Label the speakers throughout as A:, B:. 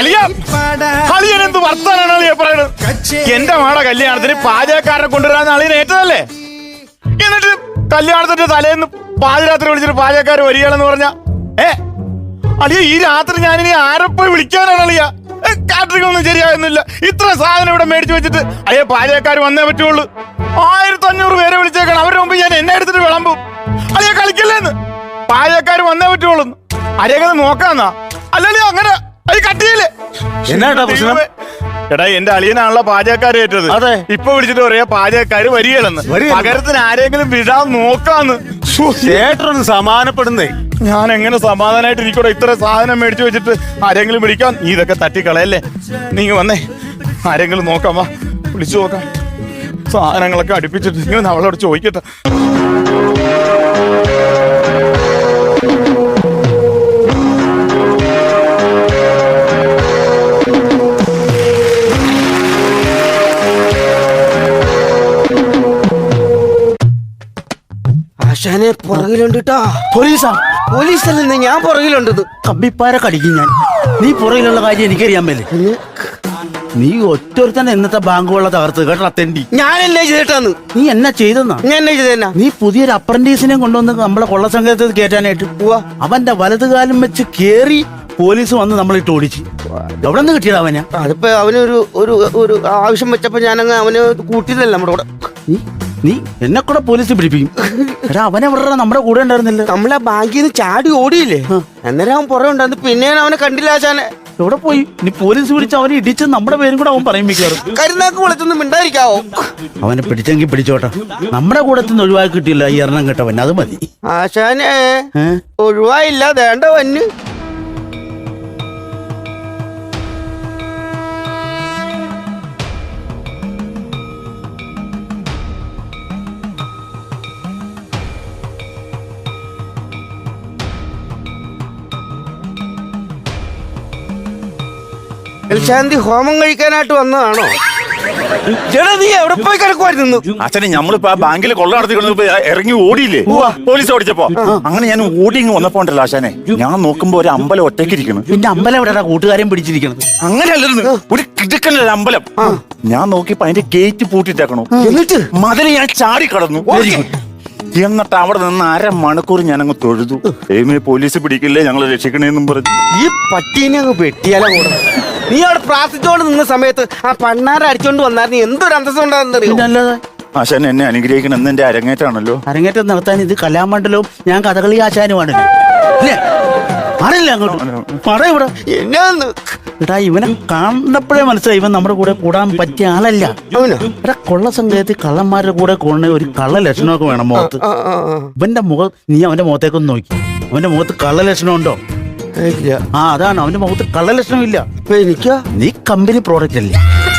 A: അളിയനെന്ത് വർത്താനാണ് അളിയ പറയണത്? എന്റെ മാടെ കല്യാണത്തിന് പാചകക്കാരനെ കൊണ്ടുവരാൻ അളിയൻ ഏറ്റതല്ലേ? എന്നിട്ട് കല്യാണത്തിന്റെ തലേന്ന് പാതിരാത്രി വിളിച്ചിട്ട് പാചകക്കാർ വരികയാണെന്ന് പറഞ്ഞ അളിയ ഈ രാത്രി ഞാനിനി ആരെപ്പോയി വിളിക്കാനാണ് അളിയ? കാറ്ററിംഗ് ഒന്നും ശരിയാകുന്നില്ല. ഇത്ര സാധനം ഇവിടെ മേടിച്ചു വെച്ചിട്ട് അയ്യ പാചകക്കാർ വന്നേ പറ്റുള്ളൂ. 1500 പേരെ വിളിച്ചേക്കണം. അവരുടെ മുമ്പ് ഞാൻ എന്നെ എടുത്തിട്ട് വിളമ്പും. അളിയ കളിക്കല്ലേന്ന്. പാചകക്കാർ വന്നേ പറ്റുള്ളൂ. അരേക്കത് നോക്കാന്നാ? അല്ലല്ലേ അങ്ങനെ അത് കട്ടിയില്ലേ?
B: എന്നാ പ്രശ്നം?
A: എടാ എന്റെ അളിയനാണല്ലോ പാചകക്കാർ ഏറ്റത്.
B: അതെ.
A: ഇപ്പൊ വിളിച്ചിട്ട് പറയാ പാചകക്കാര് വരികയാണെന്ന്. പകരത്തിന് ആരെങ്കിലും വിടാൻ നോക്കാന്ന്.
B: ചേട്ടനൊന്ന് സമാധാനപ്പെടുന്നേ.
A: ഞാൻ എങ്ങനെ സമാധാനമായിട്ട് ഇരിക്കൂടെ? ഇത്ര സാധനം മേടിച്ചു വെച്ചിട്ട് ആരെങ്കിലും വിളിക്കാൻ? നീ ഇതൊക്കെ തട്ടിക്കളയല്ലേ? നീ വന്നേ, ആരെങ്കിലും നോക്കാം. വാ, വിളിച്ചു നോക്കാം. സാധനങ്ങളൊക്കെ അടുപ്പിച്ചിട്ട് ഇങ്ങനെ അവളോട് ചോദിക്കട്ടെ.
C: ആശാനെ പുറകിലുണ്ട് ട്ടോ.
B: പോലീസാ?
C: പോലീസല്ലെന്ന് ഞാൻ പുറകിലുണ്ടത്.
B: കമ്പിപ്പാര കടിക്കും ഞാൻ. നീ പുറകിലുള്ള കാര്യം എനിക്കറിയാൻ മേലെ. നീ ഒറ്റൊരുത്തന്നെ ഇന്നത്തെ ബാങ്കുകളെ തകർത്ത് കേട്ടോ തെണ്ടി.
C: ഞാൻ എന്നെ ചെയ്തിട്ടാന്ന്.
B: നീ എന്നാ ചെയ്തെന്നാ?
C: ഞാൻ എന്നെ ചെയ്തെന്നാ?
B: നീ പുതിയൊരു അപ്രന്റീസിനെ കൊണ്ടുവന്ന് നമ്മളെ കൊള്ളസംഘത്തിൽ കയറ്റാനായിട്ട് പോവാ. അവന്റെ വലതുകാലം വെച്ച് കേറി പോലീസ് വന്ന് നമ്മളിട്ട് ഓടിച്ച്. എവിടെ നിന്ന് കിട്ടിയതാ അവനെ?
C: അതിപ്പോ അവനൊരു ഒരു ആവശ്യം വെച്ചപ്പോ ഞാനങ്ങ് അവന് കൂട്ടിയതല്ല നമ്മുടെ കൂടെ.
B: നീ എന്നെ കൂടെ പോലീസ് പിടിപ്പിക്കും. എടാ അവനെ ഇവിടെ നമ്മുടെ കൂടെ ഉണ്ടായിരുന്നില്ല.
C: നമ്മളെ ബാങ്കിൽ നിന്ന് ചാടി ഓടിയില്ലേ? അന്നേരം അവൻ പുറകെ ഉണ്ടായിരുന്നു. പിന്നെ ഞാൻ അവനെ കണ്ടില്ല ആശാനെ.
B: എവിടെ പോയി? നീ പോലീസ് പിടിച്ച് അവനെ ഇടിച്ച് നമ്മുടെ പേരും കൂടെ അവൻ പറയും മിക്കാറും.
C: കരുനാക്ക് വിളിച്ചൊന്നും മിണ്ടായിരിക്കാവോ?
B: അവനെ പിടിച്ചെങ്കിൽ പിടിച്ചോട്ടെ. നമ്മുടെ കൂടത്തിൽ നിന്ന് ഒഴിവാക്കി കിട്ടിയില്ല ഈ എണ്ണം കേട്ടവൻ. അത് മതി
C: ആശാനെ. ഒഴിവായില്ല, വേണ്ട വന്ന്. ശാന്തി ഹോമം കഴിക്കാനായിട്ട് വന്നതാണോ? ചേട്ടാ നീ എവിടെ പോയി കിടക്കുമായിരുന്നു?
A: അച്ഛനെ നമ്മളിപ്പോ ആ ബാങ്കിൽ കൊള്ള നടത്തിക്കൊണ്ടിപ്പോ ഇറങ്ങി ഓടിയില്ലേ പോലീസ് ഓടിച്ചപ്പോ? അങ്ങനെ ഞാൻ ഓടി ഇങ്ങ് വന്നപ്പോ ഉണ്ടല്ലോ ആശാനെ, ഞാൻ നോക്കുമ്പോ ഒരു അമ്പലം ഒറ്റയ്ക്കിരിക്കണം.
B: പിന്നെ അമ്പലം എവിടെയാ കൂട്ടുകാരെയും പിടിച്ചിരിക്കണത്?
A: അങ്ങനെയല്ലെന്ന്, ഒരു കിടക്കനൊരു അമ്പലം. ഞാൻ നോക്കിയപ്പോ അതിന്റെ ഗേറ്റ് പൂട്ടിട്ടേക്കണോ.
C: എന്നിട്ട്
A: മതിൽ ഞാൻ ചാടി കടന്നു. എന്നിട്ട് അവിടെ നിന്ന് 1/2 മണിക്കൂർ ഞാനങ്ങ് തൊഴുതു. പോലീസ് പിടിക്കില്ലേ, ഞങ്ങളെ രക്ഷിക്കണേന്നും പറഞ്ഞു.
C: ഈ പട്ടീനെ അങ്ങ് വെട്ടിയാലോ കൂടെ. നീ അവിടെ പ്രാർത്ഥിച്ചോണ്ട് നിന്ന സമയത്ത് ആ പണ്ണാര അടിച്ചോണ്ട് വന്നായിരുന്നു എന്തൊരു അന്തസ്സം ഉണ്ടാകുന്നറിയോ?
A: ആശാൻ എന്നെ അനുഗ്രഹിക്കണം. എന്ന് എന്റെ അരങ്ങേറ്റാണല്ലോ.
B: അരങ്ങേറ്റം നടത്താൻ ഇത് കലാമണ്ഡലവും ഞാൻ കഥകളി ആശാനുമാണല്ലോ. അറിയില്ല അങ്ങോട്ട് പറയൂടെ.
C: എന്നാന്ന്
B: എടാ ഇവനെ കണ്ടപ്പോഴേ മനസ്സിലായി ഇവൻ നമ്മുടെ കൂടെ കൂടാൻ പറ്റിയ ആളല്ല. എടാ കൊള്ള സംഘത്തിൽ കള്ളന്മാരുടെ കൂടെ കൂടുന്ന ഒരു കള്ള ലക്ഷണമൊക്കെ വേണം മുഖത്ത്. ഇവന്റെ മുഖം നീ അവന്റെ മുഖത്തേക്കൊന്ന് നോക്കി. അവന്റെ മുഖത്ത് കള്ള ലക്ഷണം ഉണ്ടോ? ആ അതാണ്, അവന്റെ മുഖത്ത് കള്ള ലക്ഷണം ഇല്ല.
C: എനിക്കാ?
B: നീ കമ്പനി പ്രോഡക്റ്റ് അല്ലേ?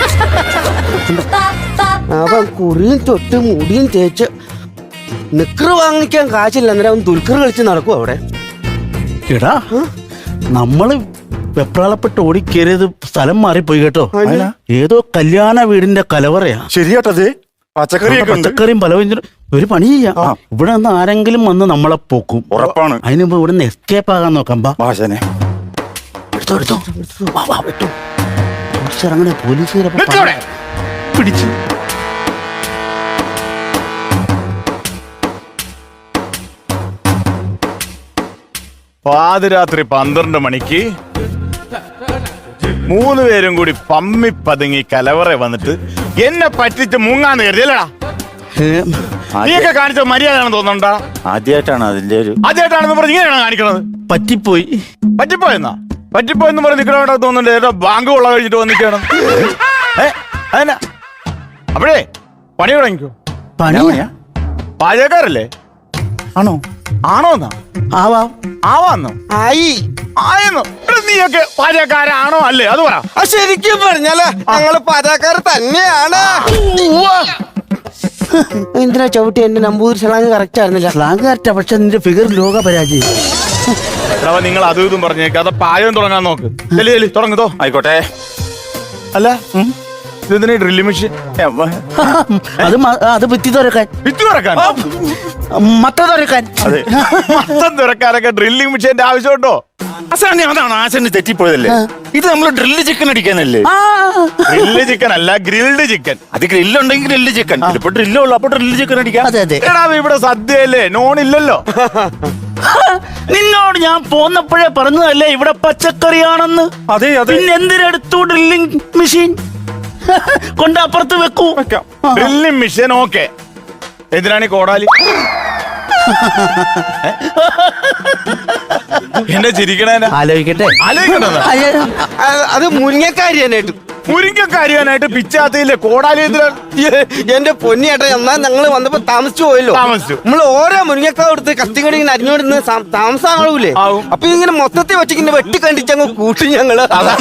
C: അവൻ കുറിയും തൊട്ട് മുടിയും തേച്ച് നിക്കറ് വാങ്ങിക്കാൻ കാശില്ല. അന്നേരം അവൻ ദുൽഖർ കളിച്ച് നടക്കും അവിടെ.
B: എടാ നമ്മള് വെപ്രാളപ്പെട്ട് ഓടിക്കേറിയത് സ്ഥലം മാറിപ്പോയി കേട്ടോ. ഏതോ കല്യാണ വീടിന്റെ കലവറയാ.
A: ശരിയാട്ടത്.
B: പച്ചക്കറിയും പലവ്യഞ്ജനം. ഒരു പണി ചെയ്യാം, ഇവിടെ നിന്ന് ആരെങ്കിലും വന്ന് നമ്മളെ പോക്കും.
A: ഉറപ്പാണ്.
B: അതിന് മുമ്പ് ഇവിടെ നിന്ന് എസ്കേപ്പ് ആകാൻ നോക്കാം. ഇറങ്ങണേ പോലീസുകാരെ പിടിച്ചു.
A: പാതിരാത്രി 12 മണിക്ക് 3 പേരും കൂടി പമ്മി പതുങ്ങി കലവറ വന്നിട്ട് എന്നെ പറ്റിച്ച് മുങ്ങാന്ന് കരുതിയല്ലടാ. നീയൊക്കെ കാണിച്ച മര്യാദയാണെന്ന് തോന്നണ്ടാ? ആദ്യമായിട്ടാണ് അതിന്റെ ഒരു ആദ്യമായിട്ടാണെന്ന് പറഞ്ഞ് ഇങ്ങനെയാണോ കാണിക്കണത്? പറ്റിപ്പോയെന്നാ? പറ്റിപ്പോയെന്ന് പറഞ്ഞ് നിൽക്കണോട്ടാ തോന്നുന്നുണ്ട്. ഏതോ ബാങ്ക് കൊള്ള കഴിഞ്ഞിട്ട് വന്നിരിക്കണം. അതെന്നാ അപ്പോഴേ പണി തുടങ്ങിക്കോ.
B: പണിയാ?
A: പാചകക്കാരല്ലേ? ആണോന്നാ? ആവാന്നോ? ആയെന്നോ? നീയൊക്കെ പാചകക്കാരാണോ അല്ലേ? അത് പറ.
C: ശരിക്കും പറഞ്ഞാലേ ഞങ്ങള് പാചകക്കാർ തന്നെയാണ്. എന്തിനാ ചവിട്ടി? എന്റെ നമ്പൂതിരി സ്ലാങ് കറക്റ്റ് ആയിരുന്നില്ല.
B: സ്ലാങ് കറക്റ്റാ, പക്ഷെ നിന്റെ ഫിഗർ ലോക പരാജയം.
A: നിങ്ങൾ അതും ഇതും പറഞ്ഞേക്ക്. അത് പാചകം തുടങ്ങാൻ നോക്ക്. തുടങ്ങുതോ? ആയിക്കോട്ടെ. അല്ല ഇതെന്തിനാ ഡ്രില്ലിംഗ് മെഷീൻ?
B: അത് ഭിത്തി തുറക്കാൻ.
A: മത്തം തുറക്കാനൊക്കെ ഡ്രില്ലിംഗ് മെഷീന്റെ ആവശ്യമുണ്ടോ? അസാനി അതാണ് ആശാന് തെറ്റിപ്പോയതല്ലേ. ഇത് നമ്മൾ ഡ്രില്ല് ചിക്കൻ അടിക്കാനല്ലേ. ഗ്രില്ല് ചിക്കൻ അല്ല, ഗ്രിൽഡ് ചിക്കൻ. അത് ഗ്രില്ലുണ്ടെങ്കിൽ ഗ്രില്ല് ചിക്കൻ, ഇപ്പൊ ഡ്രില്ലുള്ളൂ, അപ്പൊ ഡ്രില്ല് ചിക്കൻ അടിക്കാം. എടാ ഇവിടെ സദ്യയല്ലേ, നോൺ ഇല്ലല്ലോ.
B: നിന്നോട് ഞാൻ പോന്നപ്പോഴേ പറഞ്ഞതല്ലേ ഇവിടെ പച്ചക്കറിയാണെന്ന്.
A: അതെ അതെ.
B: പിന്നെ എന്തിനെടുത്തു ഡ്രില്ലിംഗ് മെഷീൻ കൊണ്ട് അപ്പുറത്ത് വെക്കൂ.
A: Drilling machine okay. എന്തിനാണ് ഈ കോടാലി? എന്നെ ചിരിക്കണേനാ?
B: ആലോചിക്കട്ടെ.
C: അത് മുരിങ്ങക്കാരിയാനായിട്ട്
A: മുരിങ്ങക്കാരിയാനായിട്ട് പിച്ചാത്തിയില്ലേ കോടാലി?
C: എന്റെ പൊന്നിയേട്ടാ, എന്നാ ഞങ്ങള് വന്നപ്പോ താമസിച്ചു പോയല്ലോ. നമ്മള് ഓരോ മുരിങ്ങക്കാവ് എടുത്ത് കത്തിങ്ങടി ഇങ്ങനെ അരിഞ്ഞോണ്ടിരുന്ന് താമസമാകൂലേ. അപ്പൊ ഇങ്ങനെ മൊത്തത്തിൽ വെച്ചിങ്ങനെ വെട്ടി കണ്ടിച്ചങ്ങ് കൂട്ടി ഞങ്ങള്.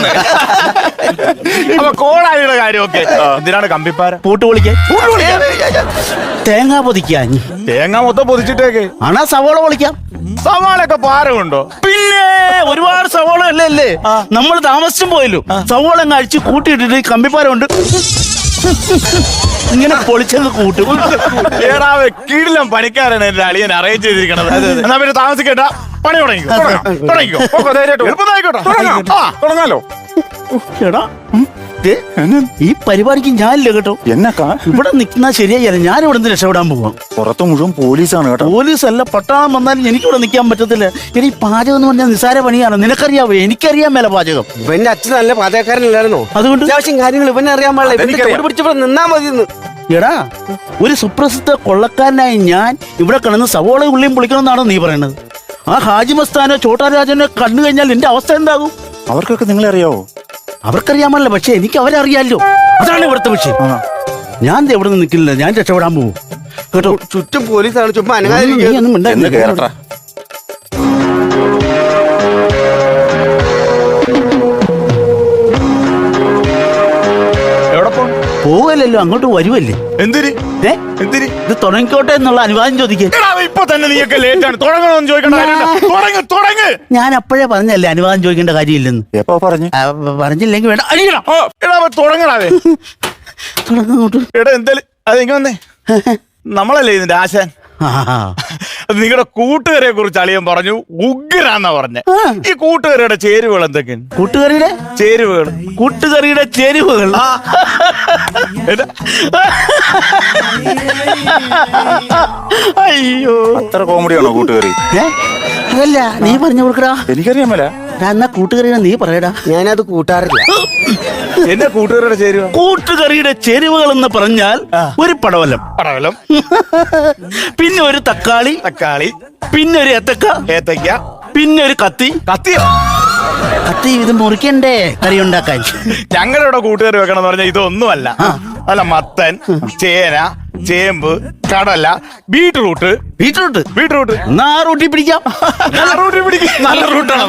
A: അപ്പൊ കോടാലിയുടെ കാര്യമൊക്കെ എന്തിനാണ് കമ്പിപ്പാര?
B: പൂട്ട് പൊളിക്കാൻ, തേങ്ങ പൊതിക്കാൻ.
A: തേങ്ങ മൊത്തം പൊതിച്ചിട്ടേക്ക്
B: ആണാ സവോള പൊളിക്കാം.
A: സവാളൊക്കെ പാരമുണ്ടോ?
B: പിന്നെ ഒരുപാട് സവോള അല്ലേ നമ്മൾ താമസിച്ചും പോയല്ലോ. സവോള അങ്ങ് അടിച്ച് കൂട്ടിയിട്ടിട്ട് കമ്പിപ്പാരുണ്ട് ഇങ്ങനെ പൊളിച്ചങ്ങ് കൂട്ടും.
A: ഏടാവേ കീഴിലും പണിക്കാരാണ് എന്റെ അളിയൻ അറേഞ്ച് ചെയ്തിരിക്കണത്. എന്നാ പിന്നെ താമസിക്കേണ്ട, പണി തുടങ്ങിക്കോ. തുടങ്ങാലോ.
B: എടാ ഈ പരിപാടിക്ക് ഞാനില്ല കേട്ടോ.
A: എന്നക്കാ
B: ഇവിടെ നിൽക്കുന്ന ശരിയായില്ല. ഞാൻ ഇവിടെ നിന്ന് രക്ഷപ്പെടാൻ പോവാം.
A: പുറത്ത് മുഴുവൻ പോലീസാണ് കേട്ടോ.
B: പോലീസല്ല, പട്ടാളം വന്നാലും എനിക്കിവിടെ നിൽക്കാൻ പറ്റത്തില്ല. ഇനി പാചകം എന്ന് പറഞ്ഞാൽ നിസ്സാര പണിയാണ്. നിനക്കറിയാവോ? എനിക്കറിയാൻ മേല പാചകം.
C: ഇവന്റെ അച്ഛൻ നല്ല പാചകക്കാരനല്ലായിരുന്നോ?
B: അതുകൊണ്ട്
C: അത്യാവശ്യം കാര്യങ്ങൾ ഇവനെ അറിയാൻ പാടില്ല. പിടിച്ചപ്പോ നിന്നാ മതി.
B: എടാ ഒരു സുപ്രസിദ്ധ കൊള്ളക്കാരനായ ഞാൻ ഇവിടെ കിടന്ന് സവോള ഉള്ളിയും പൊളിക്കണമെന്നാണോ നീ പറയണത്? ആ ഹാജി മസ്താനോ ചോട്ടാരാജനോ കണ്ടു കഴിഞ്ഞാൽ എന്റെ അവസ്ഥ എന്താകും?
A: അവർക്കൊക്കെ നിങ്ങളെ അറിയാവോ?
B: അവർക്കറിയാമല്ലോ, പക്ഷെ എനിക്ക് അവരറിയാലോ. അതാണ് ഇവിടുത്തെ വിഷയം. ഞാൻ എവിടെ നിന്ന് നിൽക്കില്ല, ഞാൻ രക്ഷപ്പെടാൻ പോകും കേട്ടോ.
C: ചുറ്റും പോലീസാണ്. ചുമ്മാ
B: പോവല്ലോ, അങ്ങോട്ട് വരുമല്ലേ.
A: എന്തിരി
B: ഇത് തുടങ്ങിക്കോട്ടെ എന്നുള്ള അനുവാദം ചോദിക്കാൻ.
A: ഇപ്പൊ തന്നെ നീയൊക്കെ ലേറ്റ് ആണ്. തുടങ്ങണമെന്ന് ചോദിക്കണ്ട.
B: ഞാൻ അപ്പോഴേ പറഞ്ഞല്ലേ അനുവാദം ചോദിക്കേണ്ട കാര്യമില്ലെന്ന്.
A: എപ്പോ പറഞ്ഞു?
B: പറഞ്ഞില്ലെങ്കിൽ വേണ്ട, അടിക്കണം.
A: തുടങ്ങണേ
B: തുടങ്ങോട്ട്.
A: എടാ എന്തായാലും അതെങ്ങനെ വന്നേ? നമ്മളല്ലേ ഇതിന്റെ ആശാൻ. നിങ്ങളുടെ കൂട്ടുകാരെ കുറിച്ച് അളിയൻ പറഞ്ഞു ഉഗ്രാന്നാ പറഞ്ഞ. ഈ കൂട്ടുകാരിയുടെ ചേരുവകൾ എന്തൊക്കെയാണ്?
B: കൂട്ടുകാരിയുടെ
A: ചേരുവകൾ.
B: കൂട്ടുകറിയുടെ ചേരുവകൾ അയ്യോ,
A: അത്ര കോമഡിയാണോ കൂട്ടുകാരി?
B: അതല്ല, നീ പറഞ്ഞു കൊടുക്കടാ.
A: എനിക്കറിയാൻ മേല.
B: എന്നാ കൂട്ടുകറിയുടെ നീ പറയടാ.
C: ഞാനത് കൂട്ടാറില്ല.
A: എന്റെ കൂട്ടുകാരുടെ ചേരുവ.
B: കൂട്ടുകറിയുടെ ചേരുവകൾ എന്ന് പറഞ്ഞാൽ ഒരു പടവലം, പിന്നെ ഒരു തക്കാളി, പിന്നെ ഒരു ഏത്തക്ക, പിന്നെ ഒരു കത്തി. ഇത് മുറിക്കണ്ടേ കറി ഉണ്ടാക്കാൻ?
A: ഞങ്ങളുടെ ഇവിടെ കൂട്ടുകാർ വെക്കണം എന്ന് പറഞ്ഞാൽ ഇതൊന്നുമല്ല. അല്ല, മത്തൻ, ചേന, ചേമ്പ്, കടല, ബീട്രൂട്ട്. റൂട്ടി പിടിക്കാം. നല്ല റൂട്ടാണ്.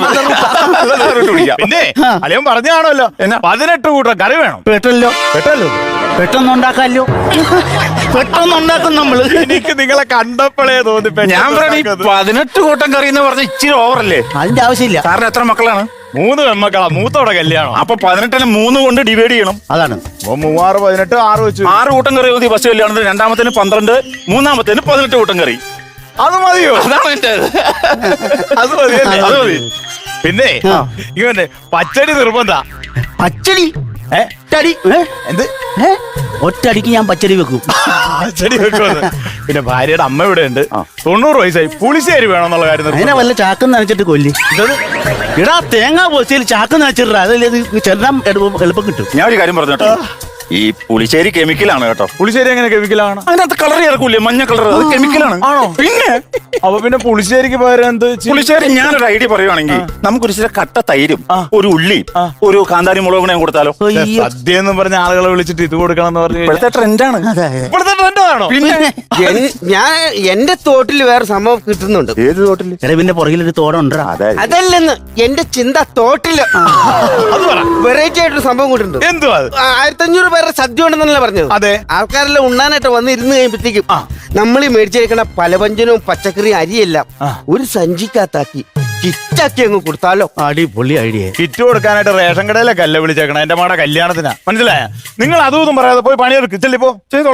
A: പിന്നെ അളിയൻ പറഞ്ഞാണല്ലോ 18 കൂട്ടം കറി വേണം.
B: പെട്ടെന്നുണ്ടാക്കാല്ലോ. പെട്ടെന്നുണ്ടാക്കും നമ്മള്.
A: എനിക്ക് നിങ്ങളെ കണ്ടപ്പോഴേ തോന്നി.
D: ഞാൻ 18 കൂട്ടം കറി എന്ന് പറഞ്ഞ ഇച്ചിരി ഓവറല്ലേ?
B: അതിന്റെ ആവശ്യമില്ല.
D: സാറിന് എത്ര മക്കളാണ്?
A: 3 പെൺമക്കളാ. മൂത്തോടെ കല്യാണം.
D: അപ്പൊ 18 3 കൊണ്ട് ഡിവൈഡ് ചെയ്യണം.
B: അതാണ്
A: 3 6 18 6 വെച്ചു.
D: 6 കൂട്ടം കറി മതി ഫസ്റ്റ് കല്യാണത്തിന്. രണ്ടാമത്തേന് 12, മൂന്നാമത്തേന് 18 കൂട്ടം കറി.
A: അത് മതിയോ?
D: അതാണ് എന്റെ.
A: അത് മതി. പിന്നെ ഇവന്റെ പച്ചടി നിർബന്ധ.
B: പച്ചടി
A: എന്ത്?
B: ഒറ്റടിക്ക് ഞാൻ പച്ചടി വെക്കും.
A: പച്ചടി വെക്കും. പിന്നെ ഭാര്യയുടെ അമ്മ ഇവിടെ ഉണ്ട്. 90 വയസ്സായി. പുളിശ്ശേരി വേണമെന്നുള്ള കാര്യം.
B: അങ്ങനെ വല്ല ചാക്കം നനച്ചിട്ട് കൊല്ലി. ഇടാ തേങ്ങ പൊസിയിൽ ചാക്കം നനച്ചിട്ടാ. അതല്ലേ ചെല്ലാം എളുപ്പം കിട്ടും.
D: ഞാൻ ഒരു കാര്യം പറഞ്ഞു കേട്ടോ. ഈ പുളിശ്ശേരി കെമിക്കലാണ് കേട്ടോ.
A: പുളിശ്ശേരി എങ്ങനെ കെമിക്കലാണ്?
D: അതിനകത്ത് കളർ ചേർക്കൂലേ, മഞ്ഞ കളർ. അത് കെമിക്കലാണ്.
A: ആണോ?
D: പിന്നെ
A: അപ്പൊ പിന്നെ പുളിശ്ശേരിക്ക് പകരം എന്ത്?
D: പുളിശ്ശേരി ഞാനൊരു ഐഡിയ പറയുവാണെങ്കിൽ നമുക്കൊരു ചില കട്ട തൈരും ഒരു ഉള്ളി ഒരു കാന്താരി മുളകും കൊടുത്താലോ?
A: സദ്യ എന്ന് പറഞ്ഞ ആളുകളെ വിളിച്ചിട്ട് ഇത് കൊടുക്കണം എന്ന് പറഞ്ഞു.
D: ഇപ്പോഴത്തെ ട്രെൻഡാണ്.
A: ഇപ്പോഴത്തെ ട്രെൻഡാണോ?
C: പിന്നെ ഞാൻ എന്റെ തോട്ടിൽ വേറെ സംഭവം കിട്ടുന്നുണ്ട്.
D: ഏത് തോട്ടിൽ?
B: പിന്നെ പുറകിലൊരു തോടുണ്ടാ.
C: അതല്ലെന്ന് എന്റെ ചിന്ത തോട്ടില് വെറൈറ്റി ആയിട്ടൊരു സംഭവം കിട്ടുന്നുണ്ട്.
A: എന്തുവാ?
C: 1500 പേരുടെ സദ്യ ഉണ്ടെന്നല്ലേ പറഞ്ഞത്?
A: അതെ.
C: ആൾക്കാരെല്ലാം ഉണ്ണാനായിട്ട് വന്ന് ഇരുന്ന് കഴിയുമ്പോഴത്തേക്കും നമ്മൾ ഈ മേടിച്ചേക്കണ പലവ്യഞ്ജനവും പച്ചക്കറി അരിയെല്ലാം ഒരു സഞ്ചിക്കകത്താക്കി കിറ്റാക്കി അങ്ങ് കൊടുത്താലോ?
B: അടിപൊളി ഐഡിയ.
A: കിറ്റ് കൊടുക്കാനായിട്ട് റേഷൻ കടയിലൊക്കെ അല്ല വിളിച്ചേക്കണം. എന്റെ മാടെ കല്യാണത്തിനാ. മനസ്സിലായ? നിങ്ങൾ അതും പറയാതെ പോയി പണിയെടുക്ക്. ചെല്ലിപ്പോ ചെയ്തോളാം.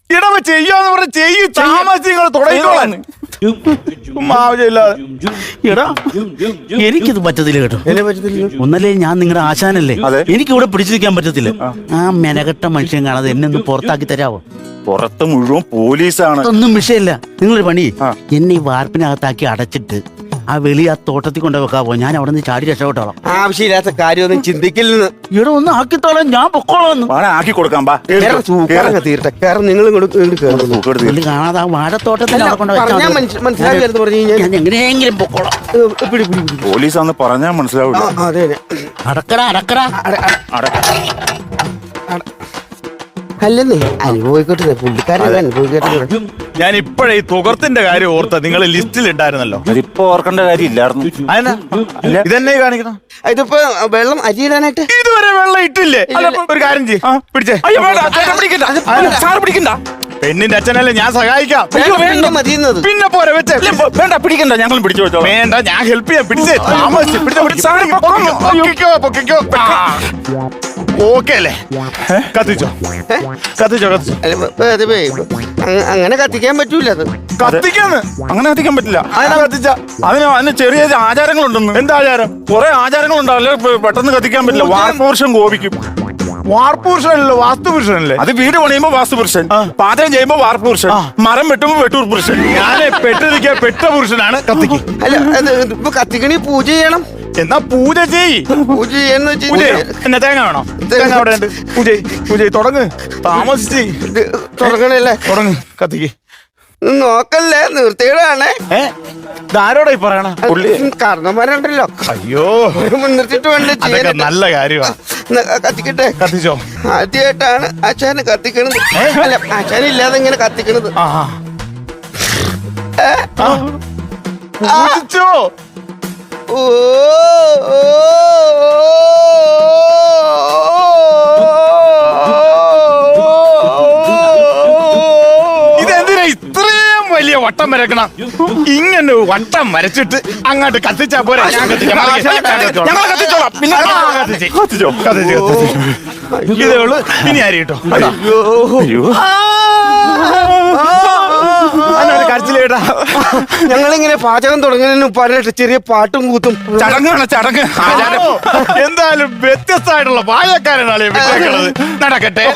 A: ഇടവ ചെയ്യാന്ന് പറഞ്ഞ ചെയ്യും താമസിച്ച് നിങ്ങൾ തുടങ്ങിക്കോളാൻ ആവശ്യമില്ലാതെ.
B: എടാ എനിക്കിത് പറ്റത്തില്ല കേട്ടോ. ഒന്നല്ലേ ഞാൻ നിങ്ങളുടെ ആശാനല്ലേ,
D: അതെ.
B: എനിക്ക് ഇവിടെ പിടിച്ചു നിൽക്കാൻ പറ്റത്തില്ല. ആ മെനകെട്ട മനുഷ്യൻ കാണാതെ എന്നെ ഒന്ന് പുറത്താക്കി തരാവോ?
D: പുറത്ത് മുഴുവൻ പോലീസാണ്.
B: അതൊന്നും വിഷയമില്ല. നിങ്ങളൊരു പണി, എന്നെ ഈ വാർപ്പിനകത്താക്കി അടച്ചിട്ട് ആ വെളി ആ തോട്ടത്തിൽ കൊണ്ടു വെക്കാവോ? ഞാൻ അവിടെ നിന്ന് ചാടി രക്ഷപ്പെട്ടോളാം.
C: ആവശ്യമില്ലാത്ത കാര്യമൊന്നും ചിന്തിക്കില്ലെന്ന്.
B: ഇവിടെ ഒന്ന് ആക്കിത്തോളാം, ഞാൻ പൊക്കോളാം.
D: വേണേ ആക്കി കൊടുക്കാം. ബാ
C: തീർട്ടെ കാരണം നിങ്ങൾ
B: പുള്ളി കാണാതെ ആ വാഴത്തോട്ടത്തിൽ അവിടെ കൊണ്ട്
C: പറഞ്ഞാൽ മനസ്സിലാക്കി പറഞ്ഞു കഴിഞ്ഞാൽ
B: ഞാൻ എങ്ങനെയെങ്കിലും പൊക്കോളാം.
D: പോലീസാന്ന് പറഞ്ഞാൽ മനസ്സിലാവില്ല.
C: അതെ
B: അടക്കടാ അടക്കടാ.
C: അല്ലെന്നേ അനുഭവിക്കട്ടെ, പുള്ളിക്കാരൻ അനുഭവിക്കട്ടെ.
A: ഞാൻ ഇപ്പോഴേ ഈ തുകർത്തിന്റെ കാര്യം ഓർത്ത നിങ്ങൾ ലിസ്റ്റിൽ ഉണ്ടായിരുന്നല്ലോ.
D: അതിപ്പോ ഓർക്കേണ്ട കാര്യമില്ലായിരുന്നു.
A: അതെന്നാ ഇതെന്നെ കാണിക്കണം?
C: ഇതിപ്പോ വെള്ളം അരിയിടാനായിട്ട്
A: ഇതുവരെ വെള്ളം ഇട്ടില്ലേ? അല്ല, ഒരു കാര്യം ചെയ്യ്, പിടിച്ചേ. പെണ്ണിന്റെ അച്ഛനല്ലേ, ഞാൻ സഹായിക്കാം.
C: മതിയുന്നത്
A: പിന്നെ പോരെ വെച്ചേ.
D: വേണ്ട, പിടിക്കണ്ട, ഞങ്ങൾ പിടിച്ചു വെച്ചോ.
A: വേണ്ട, ഞാൻ ഹെൽപ്പ് ചെയ്യാം. പിടിച്ചേ, താമസിച്ച് പൊക്കിക്കോ. ഓക്കെ അല്ലേ? കത്തിച്ചോ.
C: അങ്ങനെ കത്തിക്കാൻ പറ്റൂല. അത്
A: കത്തിക്കാന്ന്
D: അങ്ങനെ കത്തിക്കാൻ പറ്റില്ല.
A: അതിനാ കത്തിച്ച
D: അതിന് ചെറിയ ആചാരങ്ങളുണ്ടെന്ന്.
A: എന്താ ആചാരം?
D: കുറെ ആചാരങ്ങളുണ്ടാവില്ല, പെട്ടെന്ന് കത്തിക്കാൻ പറ്റില്ല. വാർപ്പുരുഷൻ കോപിക്കും.
A: വാർപ്പുരുഷനല്ലോ, വാസ്തുപുരുഷനല്ലേ?
D: അത് വീട് പണിയുമ്പോ വാസ്തുപുരുഷൻ, പാചകം ചെയ്യുമ്പോ വാർപ്പുരുഷൻ, മരം വെട്ടുമ്പോ വെട്ടൂർ പുരുഷൻ.
A: ഞാന് പെട്ടിരിക്കുക പെട്ട പുരുഷനാണ്. കത്തിക്ക്.
C: അല്ല ഇപ്പൊ കത്തിക്കണി പൂജ ചെയ്യണം.
A: എന്നാ പൂജ ചെയ്യ്.
C: പൂജ ചെയ്യാന്ന്
A: പൂജ
C: വെച്ചാൽ
A: എന്നാ തേങ്ങ വേണോ? തേങ്ങ അവിടെ ഉണ്ട്. പൂജ തുടങ്ങ്. താമസിച്ച്
C: തുടങ്ങണല്ലേ?
A: തുടങ്ങ്. കത്തിക്ക്.
C: നോക്കല്ലേ, നിർത്തിയിടാണേ.
A: ഇതാരോടാ ഈ പറയണ?
C: കാരണന്മാരുണ്ടല്ലോ.
A: അയ്യോ,
C: മുൻനിർത്തിട്ട് വേണ്ട
A: അതൊക്കെ
C: ചെയ്യാൻ.
A: നല്ല കാര്യമാ.
C: കത്തിക്കട്ടെ.
A: കത്തിച്ചോ.
C: ആദ്യമായിട്ടാണ് ആശാന് കത്തിക്കണത്. അല്ല, ആശാനില്ലാതെ ഇങ്ങനെ കത്തിക്കണത്.
A: പൂജിച്ചോ.
C: ഓ
A: ഇതെന്തിനാ ഇത്രയും വലിയ വട്ടം വരക്കണം? ഇങ്ങനെ വട്ടം വരച്ചിട്ട് അങ്ങോട്ട് കത്തിച്ചാ പോരെ? ഞാൻ കത്തിക്കാം.
D: ഞങ്ങൾ കത്തിച്ചോളാം. പിന്നെ കത്തിച്ചോ.
A: ഇതേ ഉള്ളു. ഇനി ആര് കേട്ടോ? കരച്ചിലേട്ടാ.
C: ഞങ്ങളിങ്ങനെ പാചകം തുടങ്ങുന്നതിന് പറഞ്ഞിട്ട് ചെറിയ പാട്ടും കൂത്തും
D: ചടങ്ങാണ് ചടങ്ങ്. ആചാരം
A: എന്തായാലും വ്യത്യസ്തമായിട്ടുള്ള പാചകക്കാരനാണ് വിട്ടേക്കുന്നത്. നടക്കട്ടെ.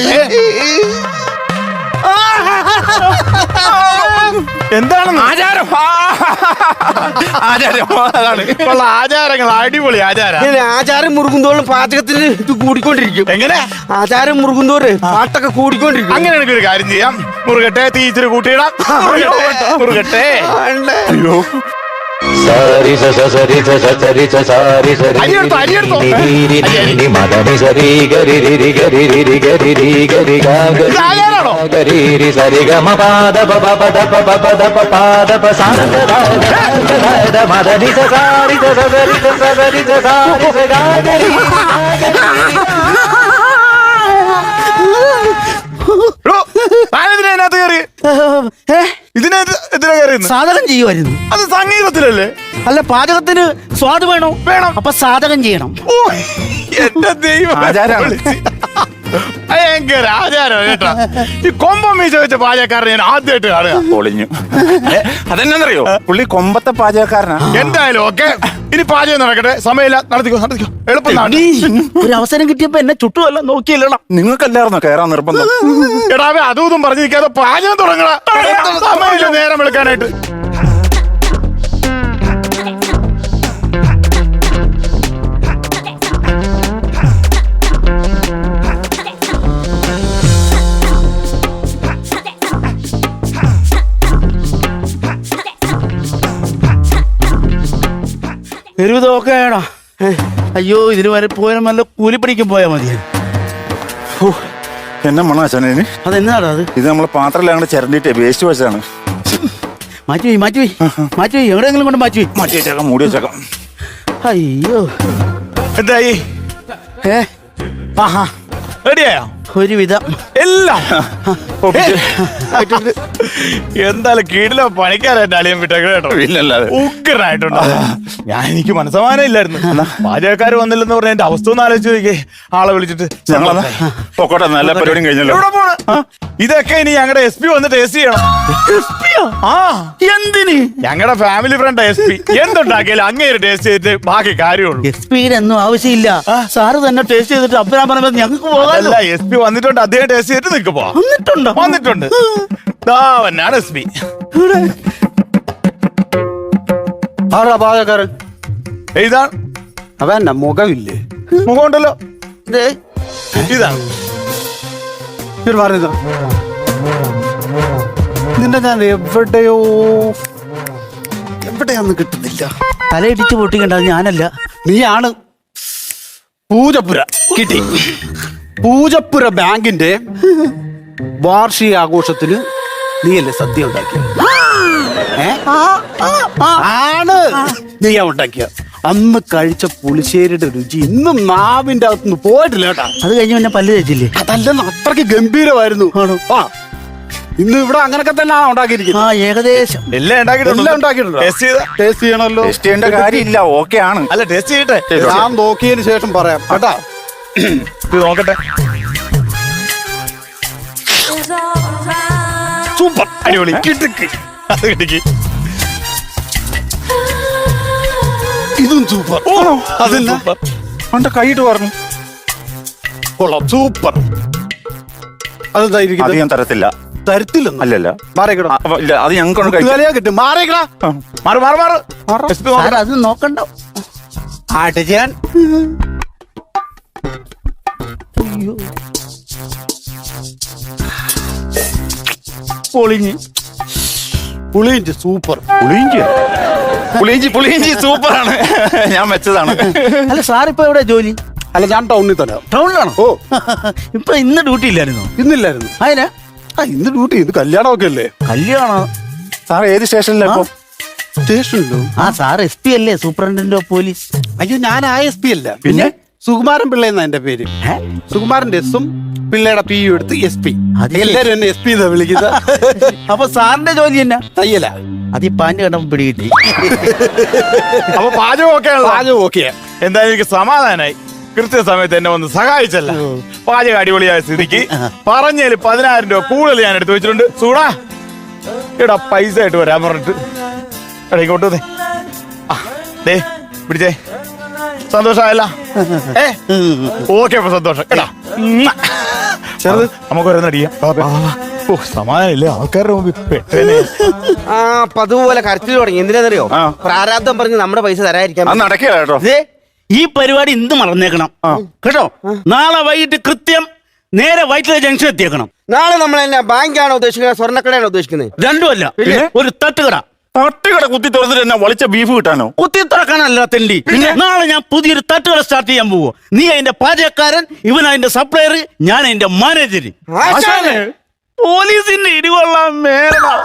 A: എന്താണ്
D: ആചാരം? ആചാരം അതാണ്.
A: ഉള്ള ആചാരങ്ങൾ അടിപൊളി ആചാരം.
C: ഇങ്ങനെ ആചാരം മുറുകുന്തോറും പാചകത്തിന് ഇത് കൂടിക്കൊണ്ടിരിക്കും.
A: എങ്ങനെ
C: ആചാരം മുറുകുന്തോറ് പാട്ടൊക്കെ കൂടിക്കൊണ്ടിരിക്കും.
A: അങ്ങനെ എനിക്കൊരു കാര്യം ചെയ്യാം. മുറുകട്ടെ, തീ ഇച്ചിരി കൂട്ടിയിടാം. മുറുകട്ടെ.
D: അയ്യോ,
E: സരി സ സരി സ സരി സ സാരി സരി
A: അരിയെടുത്തോ, അരിയെടുത്തോ.
E: നി മദനി സരി ഗരി രി ഗരി രി ഗരി രി ഗരി ഗ
A: ആചാരാണോ?
E: ഗരി രി സരി ഗ മ പാദ പ പ പ ദ പ പ പ ദ പ പാദ പ സാ ദ ദ ദ മദനി സ സാരി സ സരി സ സരി സ സാരി സ ഗ ഗരി
A: ഇതിനകത്ത് കയറി. ഇതിനെതിരെ കയറി
B: സാധകം ചെയ്യുമായിരുന്നു.
A: അത് സംഗീതത്തിലല്ലേ?
B: അല്ല, പാചകത്തിന് സ്വാദ് വേണോ?
A: വേണം.
B: അപ്പൊ സാധകം ചെയ്യണം.
A: ഓ, എന്റെ ദൈവം.
D: ആചാരാണ്.
A: ഭയങ്കര ആചാരം കേട്ടോ. ഈ കൊമ്പം മീശ വെച്ച പാചകക്കാരനെ ഞാൻ ആദ്യമായിട്ട് കാണുക.
D: പൊളിഞ്ഞു. അതെന്നറിയോ, പുള്ളി കൊമ്പത്തെ പാചകക്കാരനാ.
A: എന്തായാലും ഓക്കെ. ഇനി പാചകം നടക്കട്ടെ. സമയമില്ല. നടത്തിക്കോ. എളുപ്പം
B: ഒരു അവസരം കിട്ടിയപ്പോ എന്നെ ചുട്ടുമല്ല നോക്കിയില്ലടാ.
D: നിങ്ങൾക്കല്ലായിരുന്നോ കയറാൻ നിർബന്ധം?
A: എടാവേ, അതും ഇതും പറഞ്ഞു നിൽക്കാതെ പാചകം തുടങ്ങണ. സമയമില്ല നേരം വിളിക്കാനായിട്ട്.
B: ഒരുവിധമൊക്കെയാണോ? അയ്യോ, ഇതിന് വരെ പോയാൽ നല്ല കൂലിപ്പണിക്കും പോയാൽ മതി.
D: എന്നെ മണാശാനേന്
B: അതെന്നാടാ അത്?
D: ഇത് നമ്മളെ പാത്രമെല്ലാം അങ്ങോട്ട് ചിരണ്ടിട്ട് വേസ്റ്റ് വെച്ചാണ്.
B: മാറ്റി എവിടെയെങ്കിലും കൊണ്ട് മാറ്റി
D: വെച്ചേക്കാം, മൂടി വെച്ചേക്കാം.
B: അയ്യോ,
A: എന്തായി? റെഡിയായോ?
B: ഒരുവിധം
A: എല്ലാം എന്തായാലും കീഴിലെ പണിക്കാരായിട്ട് അളിയൻ വിട്ടേക്ക് കേട്ടോ.
D: ഇല്ലല്ലാതെ.
A: ഉഗ്രനായിട്ടുണ്ട്. എനിക്ക് മനസ്സമാനം ഇല്ലായിരുന്നു. പാചകക്കാർ വന്നില്ലെന്ന് പറഞ്ഞ എന്റെ അവസ്ഥ ഒന്ന് ആലോചിച്ച് നോക്കിയേ. ആളെ വിളിച്ചിട്ട്
D: ഞങ്ങളെന്നാ പൊക്കോട്ടെ, നല്ല പരിപാടിയും കഴിഞ്ഞല്ലോ.
A: എവിടെ പോണ്? ഇതൊക്കെ ഇനി ഞങ്ങളുടെ SP വന്ന് ടേസ്റ്റ് ചെയ്യണം. ആ
B: എന്തിന്?
A: ഞങ്ങളുടെ ഫാമിലി ഫ്രണ്ട് SP എന്തുണ്ടാക്കിയാലും അങ്ങേര് ടേസ്റ്റ് ചെയ്തിട്ട് ബാക്കി കാര്യമുള്ളൂ.
B: എക്സ്പീരിയൻസ് ഒന്നും ആവശ്യമില്ല. സാറ് തന്നെ ടേസ്റ്റ് ചെയ്തിട്ട് അപ്പനാ പറയുമ്പോൾ ഞങ്ങൾക്ക് പോകാമല്ലോ.
A: അല്ല, SP വന്നിട്ടുണ്ട്, അദ്ദേഹം ടേസ്റ്റ് ചെയ്തിട്ട് നിൽക്ക് പോവാം.
B: വന്നിട്ടുണ്ടോ?
A: വന്നിട്ടുണ്ട്. അവനാണ് SP.
C: ആരാ പാചകക്കാരൻ?
A: ഇതാണ്
C: അവന്റെ മുഖമില്ലേ?
A: മുഖമുണ്ടല്ലോ.
B: ദേ,
A: ഇതാണ്
C: ഇവര് പറയുന്നത് നിന്നെ ഞാൻ എവിടെയാന്ന് കിട്ടുന്നില്ല.
B: തലയിടിച്ച് പൊട്ടിക്കണ്ട, ഞാനല്ല.
C: നീയാണ്. പൂജപ്പുര കിട്ടി. പൂജപ്പുര ബാങ്കിന്റെ വാർഷിക ആഘോഷത്തിന് നീയല്ലേ സദ്യ ഉണ്ടാക്കിയ? ആണ് നീയാ ഉണ്ടാക്കിയ. അന്ന് കഴിച്ച പുളിശ്ശേരിയുടെ രുചി ഇന്നും നാവിന്റെ അകത്തുനിന്ന് പോയിട്ടില്ല കേട്ടാ.
B: അത് കഴിഞ്ഞ് പിന്നെ പല്ല് തേച്ചില്ലേ?
C: അതല്ലെന്ന് അത്രയ്ക്ക് ഗംഭീരമായിരുന്നു. ആ ഇന്ന് ഇവിടെ അങ്ങനൊക്കെ തന്നെ ഉണ്ടാക്കിയിരിക്കുന്നത്.
B: ആ, ഏകദേശം
A: എല്ലാം ഉണ്ടാക്കിയിട്ടുണ്ട്. ടേസ്റ്റ് ചെയ്താ?
C: ടേസ്റ്റ് ചെയ്യണമല്ലോ.
D: ടെസ്റ്റ് ചെയ്യേണ്ട കാര്യമില്ല, ഓക്കെ ആണ്.
A: അല്ല, ടേസ്റ്റ് ചെയ്യട്ടെ.
C: ഞാൻ നോക്കിയതിന് ശേഷം പറയാം കേട്ടാ.
A: ഇത് നോക്കട്ടെ. സൂപ്പർ, അടിപൊളി, കിടുക്ക്. അത് കിടുക്കി.
C: ഇതും സൂപ്പർ.
A: അതല്ല
D: അവന്റെ കൈയിട്ട് പറഞ്ഞു
C: കൊള്ളാം, സൂപ്പർ. അതെന്താ
D: അത്
C: ഇരിക്കുന്നത്?
D: ഞാൻ തരത്തില്ല.
C: തരത്തില്ലെന്ന്
D: അല്ലല്ല,
C: മാറിക്കടാ.
D: ഇല്ല, അത് ഞങ്ങൾക്ക്
C: വിലയാ കിട്ടും. മാറിക്കടാ.
A: മാറ് മാറ് മാറ്. SP നോക്കട്ടെ.
B: സാർ അത് നോക്കണ്ട.
C: ആട്ടെ ചെയ്യാൻ
B: പൊളിഞ്ഞ്
C: പുളിയിഞ്ചി സൂപ്പർ.
D: പുളിയിഞ്ചി സൂപ്പറാണ്. ഞാൻ വെച്ചതാണ്.
B: അല്ല, സാർ ഇപ്പൊ എവിടെ ജോലി?
C: അല്ല, ഞാൻ ടൗണിൽ തന്നെ.
B: ടൗണിലാണോ?
C: ഓ,
B: ഇപ്പൊ ഇന്ന് ഡ്യൂട്ടി ഇല്ലായിരുന്നോ?
C: ഇന്നില്ലായിരുന്നു.
B: അതിനാ
C: ഇന്ന് ഡ്യൂട്ടി. ഇത് കല്യാണമൊക്കെ അല്ലേ?
B: കല്യാണം.
D: സാർ ഏത് സ്റ്റേഷനിലാ ഇപ്പൊ?
C: സ്റ്റേഷനിലോ?
B: ആ, സാർ SP അല്ലേ, സൂപ്രണ്ടന്റ് ഓഫ് പോലീസ്?
C: അയ്യോ, ഞാൻ ISP അല്ല.
B: പിന്നെ?
C: സുകുമാരൻ പിള്ള എന്നാ എന്റെ പേര്. സുകുമാരന്റെ എസും പിള്ളയുടെ PU എടുത്ത് SP.
B: അത്
C: എല്ലാരും എന്നെ SP എന്നാ വിളിക്കുന്നത്.
B: അപ്പൊ സാറിന്റെ ജോലി എന്നാ?
C: തയ്യല.
B: അത് ഈ പാന്റ് കണ്ടപ്പോ പിടികിട്ടി.
A: അപ്പൊ പാചകം ഒക്കെ
C: പാചകം ഓക്കെയാ.
A: എന്തായാലും എനിക്ക് സമാധാനായി. കൃത്യസമയത്ത് എന്നെ ഒന്ന് സഹായിച്ചല്ല. പാചകം അടിപൊളിയായ സ്ഥിതിക്ക് പറഞ്ഞതിൽ 10,000 രൂപ കൂടുതൽ ഞാൻ എടുത്തു വെച്ചിട്ടുണ്ട്. സൂടാ എടാ, പൈസ ആയിട്ട് വരാൻ പറഞ്ഞിട്ട്. എടാ, ഇങ്ങോട്ട് വന്നേ. ദേ പിടിച്ചേ. സന്തോഷമായല്ല? ഓക്കെ, അപ്പൊ സന്തോഷം. എടാ ചെറുത് നമുക്ക് ഓരോന്നടിയാം. ഓ, സമാധാനമില്ലേ ആൾക്കാരുടെ മുമ്പിൽ പെട്ടേനെ.
C: ആ, അപ്പൊ അതുപോലെ കരച്ചിൽ തുടങ്ങി. എന്തിനാന്നറിയോ? പ്രാരാബ്ദം പറഞ്ഞ് നമ്മുടെ പൈസ തരാതിരിക്കാൻ.
D: അത് നടക്കുക കേട്ടോ.
B: ഈ പരിപാടി ഇന്ന് മറന്നേക്കണം കേട്ടോ. നാളെ വൈകിട്ട് കൃത്യം നേരെ വൈറ്റില ജംഗ്ഷൻ എത്തിയേക്കണം.
C: നാളെ നമ്മൾ എന്നാ ബാങ്കാണോ ഉദ്ദേശിക്കുന്നത്, സ്വർണ്ണക്കടയാണോ ഉദ്ദേശിക്കുന്നത്?
B: രണ്ടുമല്ല, ഒരു തട്ടുകട.
D: തട്ടുകട കുത്തി തുറന്നിട്ട് എന്നെ വളിച്ച ബീഫ് കിട്ടാനോ?
B: കുത്തി തുറക്കാനല്ല തെണ്ടി. നാളെ ഞാൻ പുതിയൊരു തട്ടുകട സ്റ്റാർട്ട് ചെയ്യാൻ പോവോ. നീ അതിന്റെ പാചകക്കാരൻ, ഇവൻ അതിന്റെ സപ്ലയർ, ഞാൻ അതിന്റെ മാനേജർ. പോലീസിന്റെ ഇടികൊള്ളാൻ മേല.